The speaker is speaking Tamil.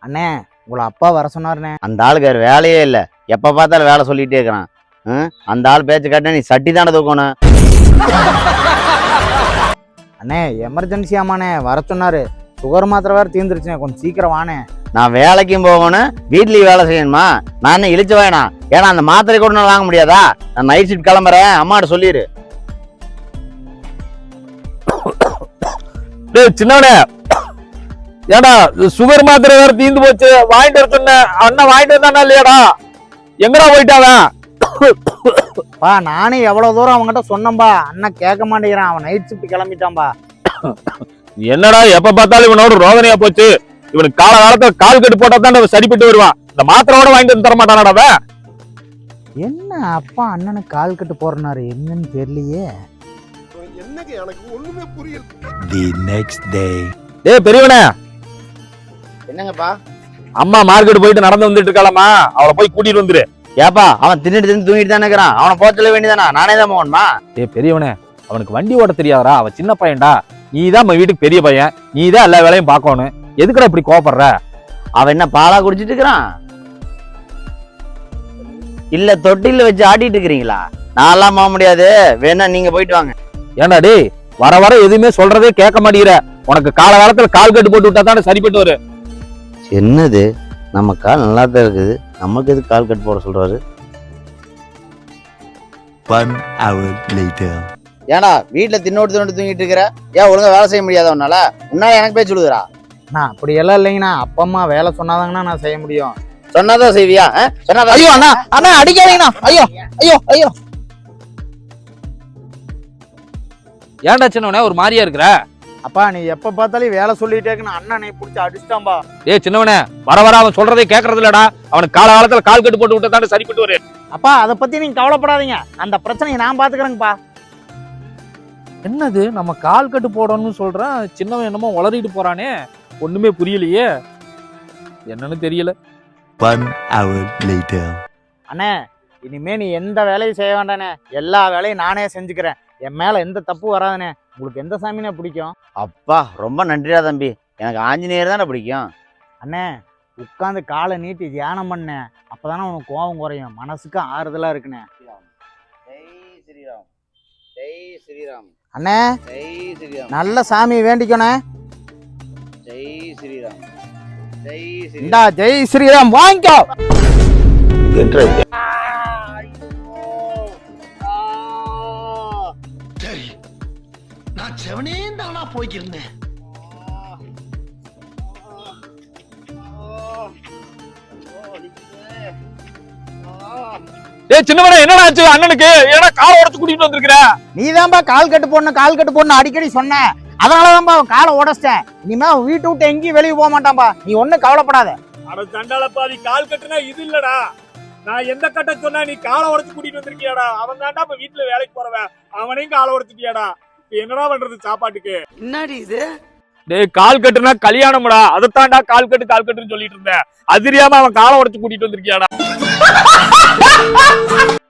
அண்ணே உங்களை அப்பா வர சொன்னாருண்ணே. அந்த ஆளுக்கு வேறு வேலையே இல்லை, எப்போ பார்த்தாலும் வேலை சொல்லிகிட்டே இருக்கிறான். அந்த ஆள் பேச்சு கேட்டா நீ சட்டி தானே தூக்கணும். அண்ணே எமர்ஜென்சி ஆமாண்ணே வர சொன்னாரு. சுகர் மாத்திரை வேறு தீர்ந்துருச்சுண்ணே, கொஞ்சம் சீக்கிரம் வானே. நான் வேலைக்கும் போகணும், வீட்லேயும் வேலை செய்யணுமா? நான் என்ன இழிச்சு வேணாம்? ஏன்னா அந்த மாத்திரை கூட நான் வாங்க முடியாதா? நான் நைட் ஷிஃப்ட் கிளம்புறேன், அம்மாட்ட சொல்லிடு. சின்னவனே, ஏடா சுகர் மாத்திரை வேற தீந்து போச்சு, வாங்கிட்டு வர சொன்ன அண்ணன் வாங்கிட்டு வந்தானா இல்லையாடா? எங்கடா போயிட்டாவன்? பா நானே எவ்வளவு தூரம் அவங்ககிட்ட சொன்னம்பா, அண்ணன் கேட்க மாட்டேங்கிறான். அவன் நைட் ஷிஃப்ட் கிளம்பிட்டான்பா. என்னடா எப்ப பார்த்தாலும் இவனோட ரோதனையா போச்சு. இவனுக்கு கால காலத்துல கால் கட்டு போட்டா தான் சரிப்பட்டு வருவான். இந்த மாத்திரோட வாங்கிட்டு வந்து தர மாட்டானாடா? என்ன அப்பா அண்ணனுக்கு கால் கட்டு போறனாரு, என்னன்னு தெரியலையே. என்னங்க எனக்கு ஒண்ணுமே புரியல. The next day. டேய் பெரியவனே. என்னங்கப்பா? அம்மா மார்க்கெட் போயிட்டு நடந்து வந்துட்டு இருக்காளம்மா, அவளை போய் கூட்டிட்டு வந்துரு. ஏப்பா அவன் தின்னுட்டு தூங்கிட்டு தானே இருக்கிறான், அவனை போக சொல்ல வேண்டியதானா? நானே தான் போகணுமா? டேய் பெரியவனே, அவனுக்கு வண்டி ஓட்ட தெரியாதா? அவன் சின்ன பையன்டா, நீ தான் நம்ம வீட்டுக்கு பெரிய பையன், நீ தான் எல்லா வேலையும் பார்க்கணும். எதுக்குடா இப்படி கோபப்படுற? அவன் என்ன பாலா குடிச்சிட்டு இருக்கிறான்? இல்ல தொட்டில வச்சு ஆட்டிட்டு இருக்கிறீங்களா? நான்லாம் போக முடியாது, வேணா நீங்க போயிட்டு வாங்க. ஏண்டா டேய், வர வர எதுவுமே சொல்றதே கேட்க மாட்டேங்கிற. உனக்கு கால காலத்துல கால் கட்டு போட்டு விட்டா தானே சரிப்பட்டு வரு. என்னது, நம்ம கால் நல்லா தான் இருக்குது, நமக்கு எதுக்கு கால் கட்டு போட சொல்றாரு? 1 hour later. ஏன்னா வீட்டுல தின்னோட்டு தூங்கிட்டு இருக்கிற, ஏன் ஒழுங்கா வேலை செய்ய முடியாத உன்னால? உன்னால எனக்கு பேச்சு விடுதுரா? நான் அப்படி எல்லாம் இல்லைங்கண்ணா, அப்பா அம்மா வேலை சொன்னாதாங்கண்ணா நான் செய்ய முடியும். சொன்னாதான் செய்வியா? சொன்னாதான். ஐயோ அண்ணா அண்ணா அடிக்காதீங்கண்ணா. ஐயோ ஐயோ ஐயோ. ஏன்டா சின்னவனே ஒரு மாதிரியா இருக்கிற? அப்பா நீ எப்ப பார்த்தாலும் வேலை சொல்லிட்டே இருக்கணும், அண்ணனை பிடிச்சி அடிச்சிட்டான்பா. ஏய் சின்னவனே, வர வர அவன் சொல்றதே கேட்கறது இல்லடா. அவனுக்கு கால காலத்துல கால் கட்டு போட்டு விட்டா தானே சரிப்பட்டு வரு. அப்பா அதை பத்தி நீங்க கவலைப்படாதீங்க, அந்த பிரச்சனையை நான் பாத்துக்கிறேங்கப்பா. என்னது, நம்ம கால் கட்டு போடணும்னு சொல்றான், சின்னவன் என்னமோ வளரிட்டு போறானே, ஒண்ணுமே புரியலையே, என்னன்னு தெரியல. 1 hour later. அண்ணே இனிமே நீ எந்த வேலையும் செய்ய வேண்டானே, எல்லா வேலையும் நானே செஞ்சுக்கிறேன். என் மேல எந்த தப்பு வராதுண்ணே. உங்களுக்கு எந்த சாமினே பிடிக்கும்? அப்பா ரொம்ப நன்றிடா தம்பி, எனக்கு ஆஞ்சநேயர் தானே பிடிக்கும். அண்ணே உட்காந்து காலை நீட்டி தியானம் பண்ணேன், அப்பதானே உனக்கு கோபம் குறையும், மனசுக்கு ஆறுதலா இருக்குண்ணே. ஜெய் ஸ்ரீராம், ஜெய் ஸ்ரீராம். அண்ணே ஜெய் ஸ்ரீராம். நல்ல சாமி வேண்டிக்கணே. ஜெய் ஸ்ரீராம், ஜெய் ஸ்ரீராம். இந்தா ஜெய் ஸ்ரீராம் வாங்கிக்கோ. சரி, நான் செவனே தானா போய்க்கிருந்தேன். ஏய் சின்னவனே, என்னடா ஆச்சு அண்ணனுக்கு? ஏன்னா காலை உடைச்சு கூட்டிட்டு வந்திருக்கிற? நீதான்பா கால் கட்டு போடணும் அடிக்கடி சொன்ன, அதனாலதான்பா அவன் காலை உடைச்சிட்டேன். இனிமே அவன் வீட்டு விட்டு எங்கேயும் வெளியே போக மாட்டான்பா, நீ ஒன்னும் கவலைப்படாத. அட சண்டாளப்பாதி, கால் கட்டுனா இது இல்லடா. நான் எந்த கட்ட சொன்னா நீ காலை உடைச்சு கூட்டிட்டு வந்திருக்கியாடா? அவன் தாண்டா இப்ப வீட்டுல வேலைக்கு போறவன், அவனையும் காலை உடைச்சிட்டியாடா. என்னடா பண்றது சாப்பாட்டுக்கு? என்னடி இது? டேய் கால் கட்டுனா கல்யாணம்டா, அதத்தாண்டா கால் கட்டுன்னு சொல்லிட்டு இருந்தேன். அது தெரியாம அவன் காலை உடைச்சு கூட்டிட்டு வந்திருக்கியாடா?